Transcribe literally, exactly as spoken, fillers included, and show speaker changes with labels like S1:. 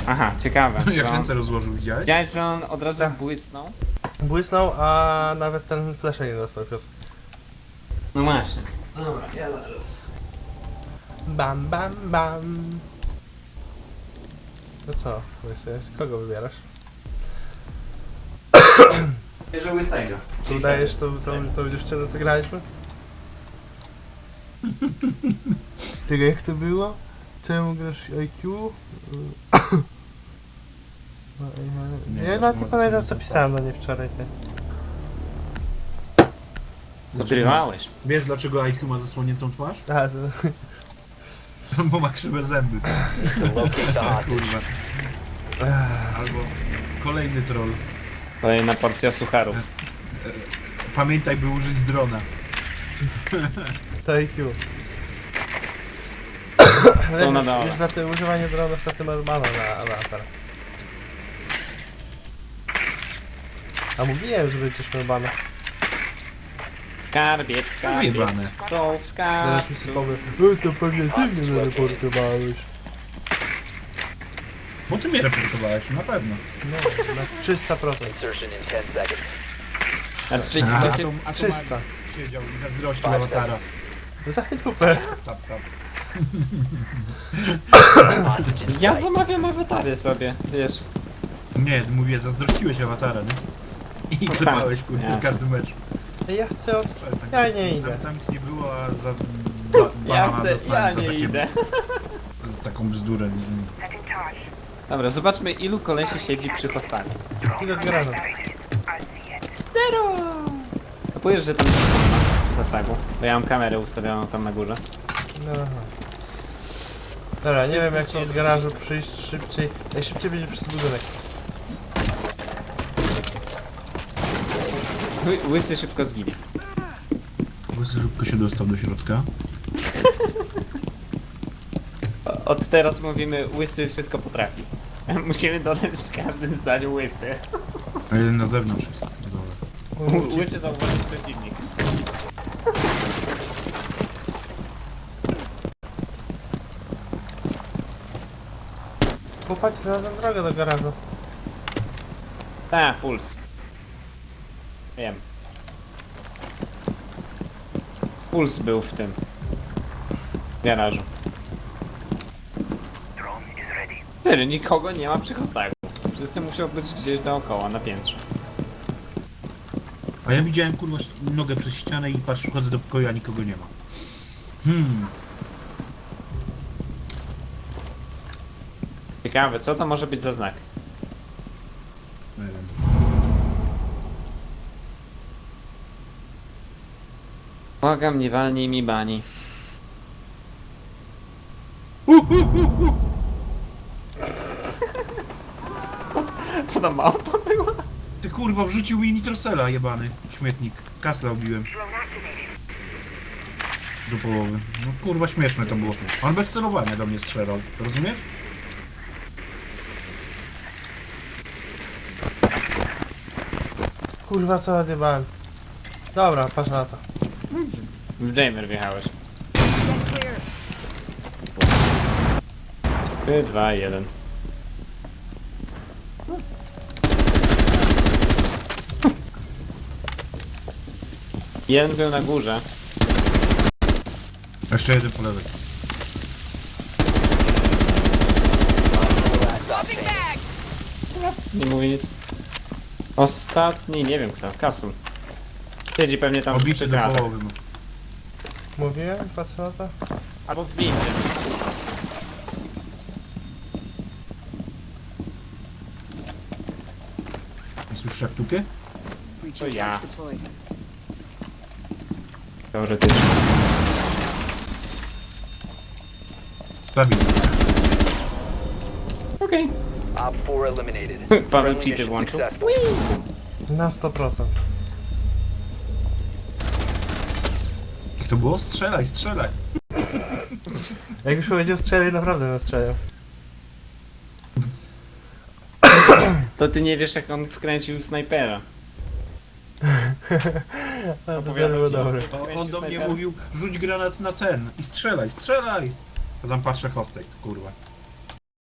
S1: Aha, ciekawe.
S2: Jak
S1: To-
S2: ręce rozłożył, widziałeś?
S1: Widziałeś, że on od razu
S3: Tak.
S1: błysnął?
S3: Błysnął, a nawet ten flasha nie dostał fios.
S1: No właśnie. Dobra, ja zaraz.
S3: Bam, bam, bam. No co, łysy, kogo wybierasz?
S1: Bierze łysego.
S3: Co udajesz tą, tą, tą dziewczynę, co graliśmy? Tego jak to było? Czemu grasz I Q? No,
S2: Nie,
S3: ja, ja
S2: to
S3: nawet nie
S2: może
S3: pamiętam
S2: coś
S3: co
S2: nie
S3: pisałem do niej wczoraj. Ty.
S1: Odrywałeś.
S2: Wiesz dlaczego I Q ma zasłoniętą twarz?
S3: A, to...
S2: Bo ma krzywe zęby. Kurwa. Albo kolejny troll.
S1: Kolejna porcja sucharów.
S2: Pamiętaj, by użyć drona.
S3: To I Q.
S1: To na
S3: już,
S1: dole.
S3: już za te używanie dronów za tym bana na, na atar. A mówiłem, że będziesz miał bana.
S1: Skarbiec, skarbiec.
S2: Wyjebane.
S1: Są w
S3: Teraz mi
S1: skarbcu.
S3: się powie, e, to pewnie ty mnie zareportowałeś.
S2: Bo ty mnie reportowałeś, na pewno.
S3: No, na trzysta procent.
S4: Insertion in ten seconds.
S1: Znaczy,
S2: A,
S1: to
S2: a
S1: ty...
S2: to, a to
S3: trzysta.
S2: Magi siedział i zazdrościł awatara.
S3: Za dupę.
S2: Tap, tap.
S4: Hostage in
S1: Ja
S4: sight.
S1: zamawiam awatary sobie, wiesz.
S2: Nie, mówię, zazdrościłeś awatara, nie? I
S1: tak,
S2: klepałeś, kurwa,
S1: jasne.
S2: każdy mecz.
S3: Ja chcę od...
S2: Przestań.
S3: Ja
S2: tam-
S3: nie
S2: tam,
S3: idę.
S2: Tam nic nie było, a za... Ba,
S1: Ja
S2: banana
S1: chcę, ja
S2: dostałem za,
S1: nie
S2: takie,
S1: idę.
S2: za taką bzdurę.
S1: Dobra, zobaczmy ilu kolesi siedzi przy hostanie.
S3: Ile garażu.
S1: Zero! Kapujesz, że tam przy hostagu? Bo ja mam kamerę ustawioną tam na górze.
S3: No, aha. Dobra, nie wiem jak od garażu przyjść szybciej. Najszybciej będzie przez budynek.
S1: Ły- Łysy szybko zginie.
S2: Łysy szybko się dostał do środka.
S1: O- Od teraz mówimy łysy wszystko potrafi. Musimy dodać w każdym zdaniu łysy.
S2: A jeden na zewnątrz jest. na dole.
S1: Łysy to właśnie przeciwnik.
S3: Chłopaki znalazłem drogę do garażu.
S1: Ta, puls. Wiem. Puls był w tym garażu. Cztery, nikogo nie ma przy hostagu. Wszyscy muszą być gdzieś dookoła, na piętrze.
S2: A ja widziałem, kurwa, nogę przez ścianę i patrz, wchodzę do pokoju, a nikogo nie ma. Hmm.
S1: Ciekawe, co to może być za znak?
S2: Nie wiem.
S1: Błagam, nie walnij mi bani.
S2: Uh, uh, uh, uh.
S1: Co to małpa była?
S2: Ty kurwa, wrzucił mi nitrosela, jebany śmietnik. Kasla obiłem. Do połowy. No kurwa, śmieszne to było. On bez celowania do mnie strzelał. Rozumiesz?
S3: Kurwa co odjebałem. Dobra, patrz na to.
S1: W Jamer wjechałeś. trzy, dwa, jeden. Jeden był na górze.
S2: Jeszcze jeden po lewej.
S4: Last stop standing.
S1: Nie mówię nic. Ostatni, nie wiem kto, Kasul. Siedzi pewnie tam
S2: Obicie
S1: przy
S2: do
S1: gratach.
S2: połowy. No.
S3: Mówiłem? Patrz na to.
S1: Albo w windzie.
S2: Nie słyszysz jak tupie?
S1: To ja. Teoretycznie.
S2: Zabił.
S1: Okej.
S4: Op four eliminated.
S1: Paweł
S4: Friendly
S1: cheaty
S4: mission
S1: włączył.
S4: successful.
S3: Na sto procent.
S2: Jak to było? Strzelaj, strzelaj.
S3: Jak już powiedział strzelaj, naprawdę bym strzelał.
S1: To ty nie wiesz jak on wkręcił snajpera.
S3: A, to
S1: Opowiadał
S3: było
S1: ci,
S3: dobre.
S1: jak
S2: O,
S1: wkręcił
S2: on do mnie
S1: snajpera.
S2: mówił, rzuć granat na ten i strzelaj, strzelaj! To tam patrzę hostek, kurwa.